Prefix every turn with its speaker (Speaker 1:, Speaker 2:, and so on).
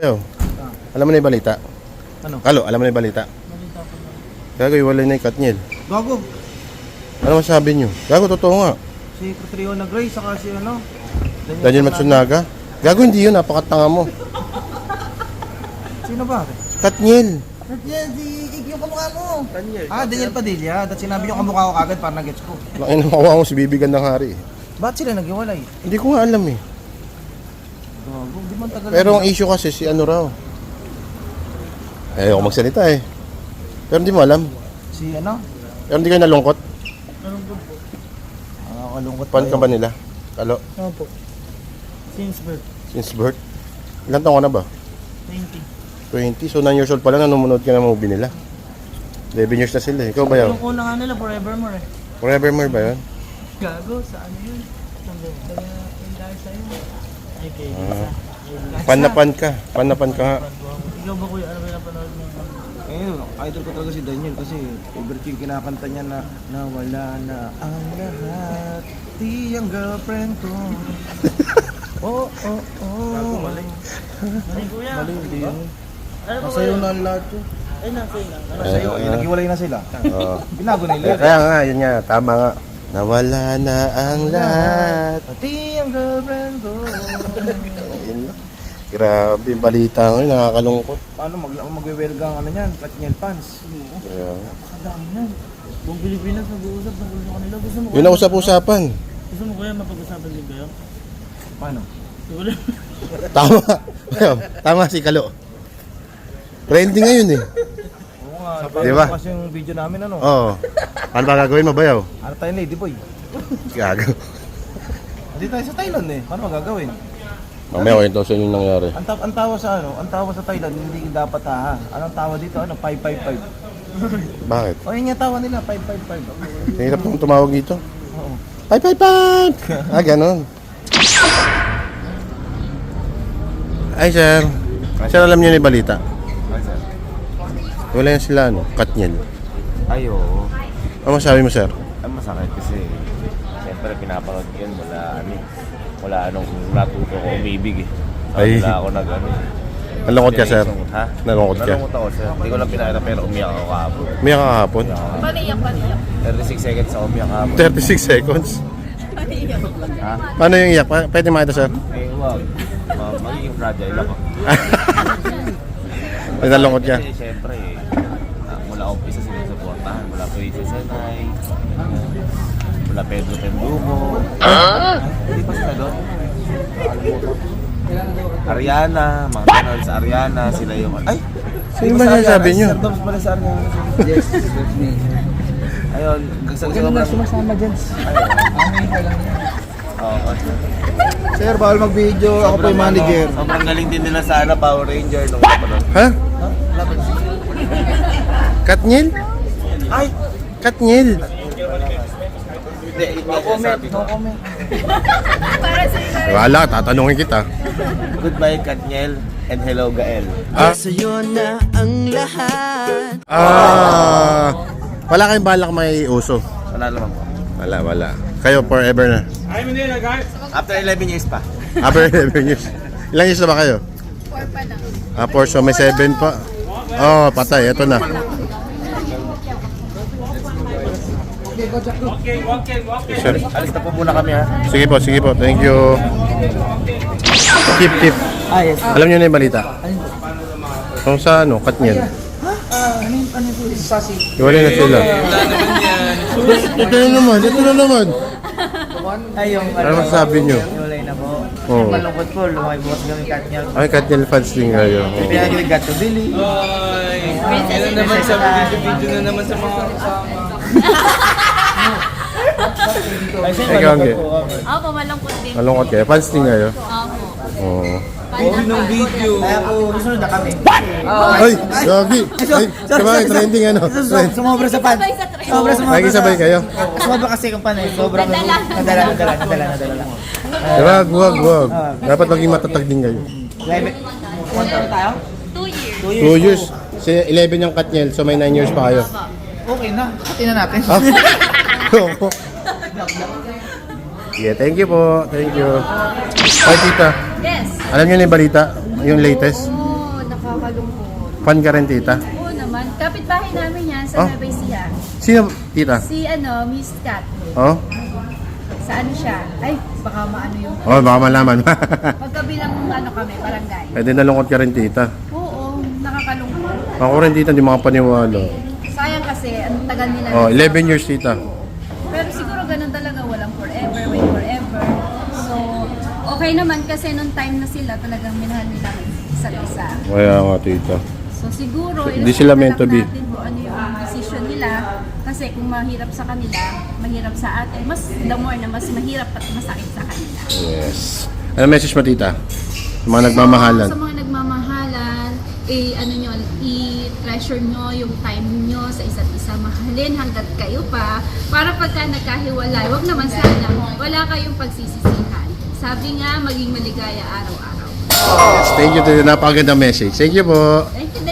Speaker 1: Yo, alam mo na yung balita?
Speaker 2: Ano?
Speaker 1: Kalo, alam mo na yung balita?
Speaker 2: Balita ko na.
Speaker 1: Gago, iwalay na yung Katniel.
Speaker 2: Gago.
Speaker 1: Ano masabi nyo? Gago, totoo nga.
Speaker 2: Si Catriona Gray, saka si ano?
Speaker 1: Daniel Matsunaga. Gago, hindi yun. Napakatanga mo.
Speaker 2: Sino ba?
Speaker 1: Katniel.
Speaker 2: Yan, si Iggy yung kamukha mo. Daniel. Daniel Padilla. Dahil sinabi yung kamukha ko kagad para nag-gets ko.
Speaker 1: Laki na makuha mo si Bibi Gandang Hari.
Speaker 2: Ba't sila naghiwalay?
Speaker 1: Hindi ko nga alam eh.
Speaker 2: Gago, di man tagal.
Speaker 1: Pero ang issue kasi si ano raw. Ayoko magsalita eh. Pero hindi mo alam.
Speaker 2: Si ano?
Speaker 1: Pero hindi kayo nalungkot.
Speaker 2: Nalungkot po. Kalungkot
Speaker 1: Fan ka ba nila? Kalo,
Speaker 2: Ano po? Since birth.
Speaker 1: since birth. Ilan taon ka na ba?
Speaker 2: 20.
Speaker 1: 20. So 9 years old pa lang nanonood ka ng movie nila. 11 years na sila eh. Ikaw ba yun?
Speaker 2: Yung una nga nila, Forevermore eh.
Speaker 1: Forevermore ba yun?
Speaker 2: Gago, sa ano yun? Kaya yung dahil sa'yo. Ay, kay
Speaker 1: Pan na pan ka. Pan na pan ka nga.
Speaker 2: Ikaw ba kuya, ano ba yung napanood mo? Idol ko talaga si Daniel kasi favorite yung kinakanta niya na nawala na ang lahat, di ang girlfriend ko. Oh. Mali. Mali kuya. Mali, hindi yun. Masayo na ang lahat yun. Ay, nasayo na. Masayo, naghiwalay na sila.
Speaker 1: Oo.
Speaker 2: Binago nila.
Speaker 1: Kaya nga, yun nga. Tama nga. Nawala na ang lahat.
Speaker 2: Pati ang girlfriend ko.
Speaker 1: Ayun lang. Grabe, balita ngayon. Nakakalungkot.
Speaker 2: Paano magwe-welga ang ano niyan? Katniel fans.
Speaker 1: Kaya,
Speaker 2: Kadami yan. Buong Pilipinas nag-uusap ng gusto kanila. Gusto mo
Speaker 1: yun ang usap-usapan.
Speaker 2: Gusto mo kaya mapag-usapan din kayo? Paano? Wala.
Speaker 1: Tama. Tama si Kalo. Trending ngayon eh.
Speaker 2: Oo nga.
Speaker 1: Di ba?
Speaker 2: Kasi yung video namin ano.
Speaker 1: Oo. Ano ba gagawin mo, Bayaw?
Speaker 2: Ano tayo lady boy?
Speaker 1: Gago.
Speaker 2: Hindi tayo sa Thailand eh. Paano magagawin?
Speaker 1: Mamaya ko ito sa inyo nangyari.
Speaker 2: Ang tawa sa ano? Ang tawa sa Thailand hindi dapat ha. Anong tawa dito? Ano? 555.
Speaker 1: Bakit?
Speaker 2: O yun yung tawa nila 555.
Speaker 1: Hirap nung tumawag dito.
Speaker 2: Oo.
Speaker 1: Pay! Ganon. Ay, sir. Sir, alam niyo na yung balita. Wala yan sila, ano? Katniel.
Speaker 3: Ay, oo.
Speaker 1: Ano masabi mo, sir?
Speaker 3: Ang masakit kasi, siyempre pinapanood ko yun, wala anong natuto ko umibig eh.
Speaker 1: Ay.
Speaker 3: Wala ako nag-ano.
Speaker 1: Nalungkot ka, sir?
Speaker 3: Ha?
Speaker 1: Nalungkot ka?
Speaker 3: Nalungkot ako, sir. Hindi ko lang pinakita pero umiyak ako kahapon.
Speaker 1: Umiyak ka kahapon?
Speaker 4: Paniyak.
Speaker 3: 36 seconds ako umiyak kahapon.
Speaker 1: 36 seconds?
Speaker 3: Ha?
Speaker 1: Paano yung iyak? Pwede makita, sir?
Speaker 3: Eh, wag. Magiging fragile ako.
Speaker 1: Ay, nalungkot ka?
Speaker 3: Kasi siyempre, mula umpisa sinusuportahan. Mula Princess Senay, mula Pedro Tembumo. Hindi pa sila doon? Ariana, mga ganon sa Ariana, sila yung... Ay!
Speaker 1: Sino ba sinasabi nyo?
Speaker 2: Sir Doms pala sa Ariana.
Speaker 3: Yes, that's me. Ayun, sobrang...
Speaker 2: sumasama dyan.
Speaker 3: Oo.
Speaker 2: Sir, bawal mag-video. Ako po yung manager.
Speaker 3: Sobrang galing din nila sa Power Ranger nung kapanood.
Speaker 1: Ha? Katniel?
Speaker 3: Ay!
Speaker 1: Katniel?
Speaker 3: Hindi, sabi ko.
Speaker 4: Para sa iyo.
Speaker 1: Wala, tatanungin kita.
Speaker 3: Goodbye, Katniel, and hello, Gael.
Speaker 5: Sa'yo na ang lahat.
Speaker 1: Wala kayong balak may uso?
Speaker 3: Wala naman po.
Speaker 1: Wala. Kayo forever na.
Speaker 3: After 11 years pa.
Speaker 1: After 11 years. Ilang years na ba kayo?
Speaker 4: 4 pa lang.
Speaker 1: 4, so may 7 pa. Oh, patay. Ito na. Sir.
Speaker 3: Alis na po muna kami ha.
Speaker 1: Sige po. Thank you. Tip.
Speaker 2: Yes.
Speaker 1: Alam niyo na yung balita? Kung sa ano, Katniel.
Speaker 2: Ano po yung sasi?
Speaker 1: Iwalay na sila. Ito na naman.
Speaker 2: Ay, yung
Speaker 1: Ano masasabi niyo?
Speaker 2: Wala na po.
Speaker 1: Oo.
Speaker 2: Malungkot po, lumaki bukas kami Katniel.
Speaker 1: Ay, Katniel fans din kayo. Oo.
Speaker 2: Pinagil Gato Billy.
Speaker 4: Kailan
Speaker 2: naman sa video na naman sa mga kasama.
Speaker 1: Ikaw, Angge.
Speaker 4: Opo, malungkot din.
Speaker 1: Malungkot kayo. Fans din kayo.
Speaker 4: Opo.
Speaker 1: Oo.
Speaker 2: ng video. Kaya po, susunod na kami.
Speaker 1: Ay, Gagi. Ay, sabay, trending ano.
Speaker 2: Sumobra sa pan.
Speaker 4: Sabay sa trend.
Speaker 2: Sumobra sa
Speaker 1: Nakikisabay kayo.
Speaker 2: Sumobra kasi kung pan eh. Sobrang nadala.
Speaker 1: Wag. Dapat maging matatag din kayo.
Speaker 2: Ilan tayo?
Speaker 4: 2 years.
Speaker 1: 2 years. Si 11 yung Katniel, so may 9 years pa kayo.
Speaker 2: Okay na. Hati na natin.
Speaker 1: Ah? Yeah, thank you po. Thank you. Ay, tita.
Speaker 4: Yes.
Speaker 1: Alam niyo na yung balita? Yung latest? Fan ka rin, tita?
Speaker 4: Oo naman. Kapitbahay namin yan sa
Speaker 1: Oh.
Speaker 4: Nueva Ecija.
Speaker 1: Sino, tita?
Speaker 4: Si Miss Cat.
Speaker 1: Oh?
Speaker 4: Sa ano siya? Ay, baka maano yung...
Speaker 1: Oh, baka malaman.
Speaker 4: Magkabilang kami, barangay.
Speaker 1: Eh, di nalungkot ka rin, tita.
Speaker 4: Oo, nakakalungkot.
Speaker 1: Ako rin, tita, hindi makapaniwala.
Speaker 4: Sayang kasi, ang tagal nila.
Speaker 1: Oh, 11 years, tita.
Speaker 4: Pero siguro ganun talaga, walang forever, wait forever. So, okay naman kasi nung time na sila, talagang minahal nila isa't isa.
Speaker 1: Kaya nga, tita.
Speaker 4: So siguro,
Speaker 1: Hindi sila meant to be.
Speaker 4: natin kung ano yung decision nila. Kasi kung mahirap sa kanila, mahirap sa atin, mas the more na mas mahirap at masakit sa kanila.
Speaker 1: Yes. Ano message mo, tita? Sa mga nagmamahalan.
Speaker 4: So, sa mga nagmamahalan, i-treasure nyo yung time nyo sa isa't isa. Mahalin hanggat kayo pa. Para pagka nagkahiwalay, wag naman sana, wala kayong pagsisisihan. Sabi nga, maging maligaya araw-araw.
Speaker 1: Yes, thank you, tita. Napakagandang message. Thank you po.
Speaker 4: Thank you,